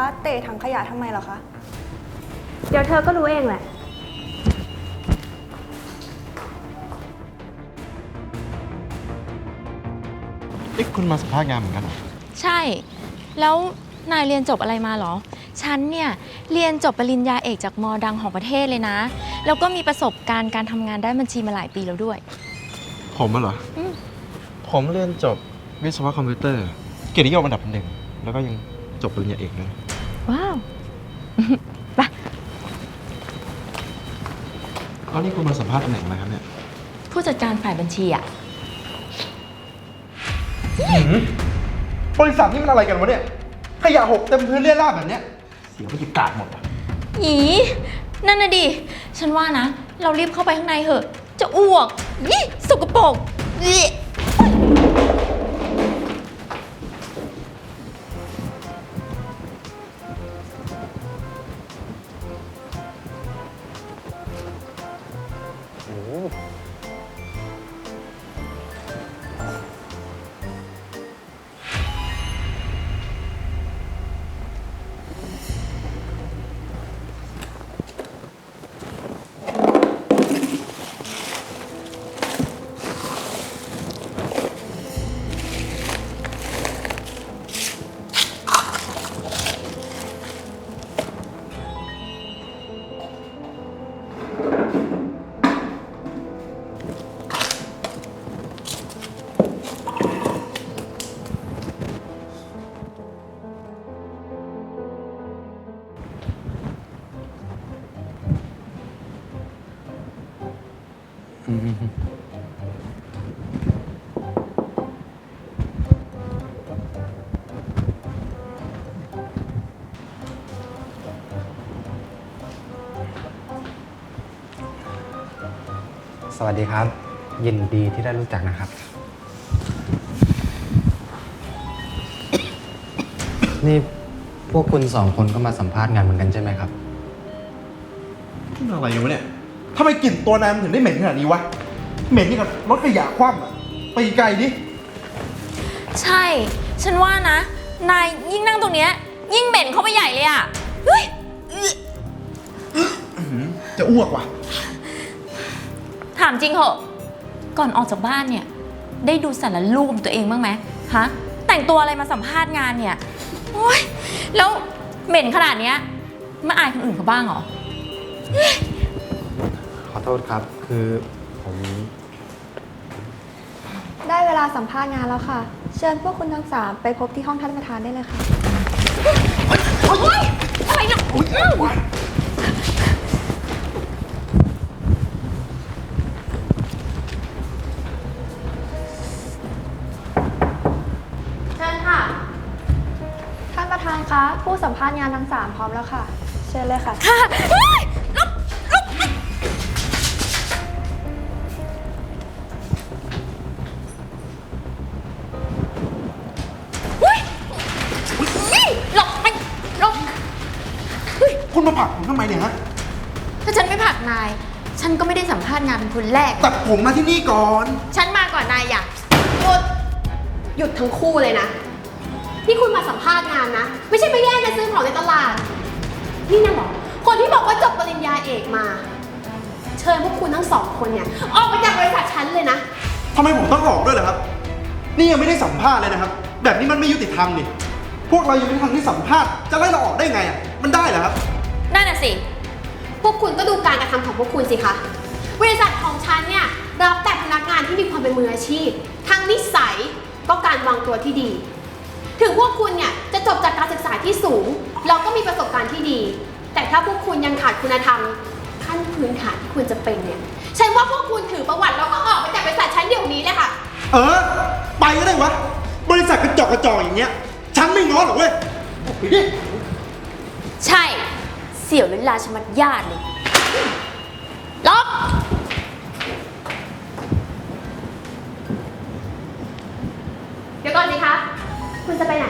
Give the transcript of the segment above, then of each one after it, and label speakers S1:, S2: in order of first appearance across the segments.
S1: เตะถังขยะทำไมเหรอคะ
S2: เดี๋ยวเธอก็รู้เองแหละ
S3: คุณมาสัมภาษณ์งานเหมือนกันเหรอ
S4: ใช่ แล้วนายเรียนจบอะไรมาเหรอ ฉันเนี่ยเรียนจบปริญญาเอกจากมอดังของประเทศเลยนะ แล้วก็มีประสบการณ์การทำงานด้านบัญชีมาหลายปีแล้วด้วย
S3: ผมเหรอ ผมเรียนจบวิศวะคอมพิวเตอร์ เกียรตินิยมอันดับ1แล้วก็ยังจบปริญญาเอกด้วย
S4: ว้าว ไป
S3: แล้วนี่คุณมาสัมภาษณ์ตำแหน่งอะไรครับเนี่ย
S4: ผู้จัดการฝ่ายบัญชีอะ
S3: บริษัทนี่มันอะไรกันวะเนี่ย ขยะหกเต็มพื้นเรี่ยราดแบบเนี้ยเสียบรรยากาศหมดอ่ะ
S4: อีนั่นน่ะดิ ฉันว่านะ เรารีบเข้าไปข้างในเถอะ จะอ้วกยี่สกปรกยี่
S5: สวัสดีครับ ยินดีที่ได้รู้จักนะครับ นี่พวกคุณ2 คนก็มาสัมภาษณ์งานเหมือนกันใช่ไหมครับ
S3: นี่มันอะไรอยู่วะเนี่ยทำไมกลิ่นตัวนายมันถึงได้เหม็นขนาดนี้วะ เหม็นนี่กับรถขยะคว่ำอ่ะ ไปไกลดิ
S4: ใช่ ฉันว่านะ นายยิ่งนั่งตรงเนี้ยยิ่งเหม็นเข้าไปใหญ่เลยอะเฮ้ย
S3: จะอ้วกว่ะ
S4: ถามจริงเหอะ ก่อนออกจากบ้านเนี่ย ได้ดูสารรูปตัวเองบ้างไหมฮะ แต่งตัวอะไรมาสัมภาษณ์งานเนี่ย โอ๊ย แล้วเหม็นขนาดเนี้ยไม่อายคนอื่นเขาบ้างเหรอ
S5: ขอโทษครับ คือผม
S1: ได้เวลาสัมภาษณ์งานแล้วค่ะ เชิญพวกคุณทั้ง3ไปพบที่ห้องท่านประธานได้เลยค่ะ
S4: โอ๊ย อะไรเนี่ยเชิญค่ะ
S1: ท่านประธานคะ ผู้สัมภาษณ์งานทั้ง3พร้อมแล้วค่ะ เชิญเลยค่ะ
S4: ค่ะเฮ้ยลุกเฮ้ยนี่หลบไปหลบ
S3: คุณมาผลักผมทำไมเนี่ยฮะ
S4: ถ้าฉันไม่ผลักนาย ฉันก็ไม่ได้สัมภาษณ์งานเป็นคนแรก
S3: แต่ผมมาที่นี่ก่อน
S4: ฉันมาก่อนนายอย่าง
S2: หยุดทั้งคู่เลยนะ นี่คุณมาสัมภาษณ์งานนะ ไม่ใช่ไปแย่งกันซื้อของในตลาด นี่นะหรอ คนที่บอกว่าจบปริญญาเอกมา เชิญพวกคุณทั้ง2 คนเนี่ยออกไปจากบริษัทฉันเลยนะ
S3: ทำไมผมต้องออกด้วยล่ะครับ นี่ยังไม่ได้สัมภาษณ์เลยนะครับ แบบนี้มันไม่ยุติธรรมนี่ พวกเรายังไม่ทันที่สัมภาษณ์ จะไล่เราออกได้ไงอ่ะ มันได้เหรอครับ
S4: นั่นน่ะสิ
S2: พวกคุณก็ดูการกระทำของพวกคุณสิคะ บริษัทของฉันเนี่ยรับแต่พนักงานที่มีความเป็นมืออาชีพ ทั้งนิสัยก็การวางตัวที่ดี ถึงพวกคุณเนี่ยจะจบจากการศึกษาที่สูง เราก็มีประสบการณ์ที่ดี แต่ถ้าพวกคุณยังขาดคุณธรรมขั้นพื้นฐานที่ควรจะเป็นเนี่ยฉันว่าพวกคุณถือประวัติแล้วก็ออกไปจากบริษัทฉันเดี๋ยวนี้เลยค่ะ
S3: ไปก็ได้วะ บริษัทกระจอกอย่างเงี้ย ฉันไม่ง้อหรอกเว้ยออกไปดิ
S4: ใช่ เสียเวลาชะมัดญาติเลยล็อก
S2: เดี๋ยวก่อนสิคะ คุณจะไปไหน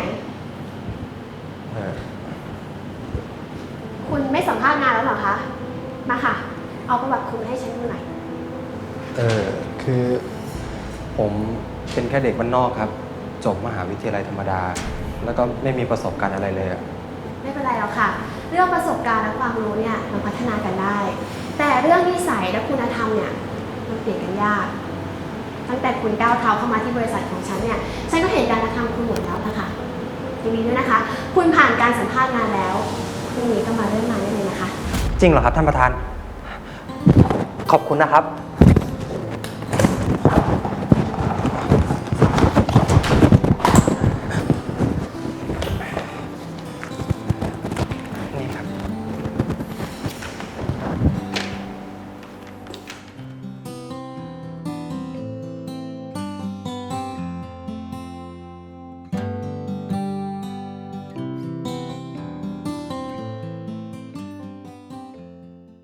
S2: คุณไม่สัมภาษณ์งานแล้วเหรอคะ มาค่ะ เอาประวัติคุณมาให้ฉันดูหน่อย
S5: คือผมเป็นแค่เด็กบ้านนอกครับ จบมหาวิทยาลัยธรรมดา แล้วก็ไม่มีประสบการณ์อะไรเลยอะ
S2: ไม่เป็นไรไรหรอกค่ะ เรื่องประสบการณ์และความรู้เนี่ยมันพัฒนากันได้ แต่เรื่องนิสัยและคุณธรรมเนี่ยมันเปลี่ยนกันยาก ตั้งแต่คุณก้าวเท้าเข้ามาที่บริษัทของฉันเนี่ย ฉันก็เห็นการกระทำคุณหมดแล้วนะคะยินดีด้วยนะคะ คุณผ่านการสัมภาษณ์งานแล้วพรุ่งนี้ก็มาเริ่มงานได้เลยนะคะ
S6: จริงเหรอครับท่านประธาน ขอบคุณนะครับ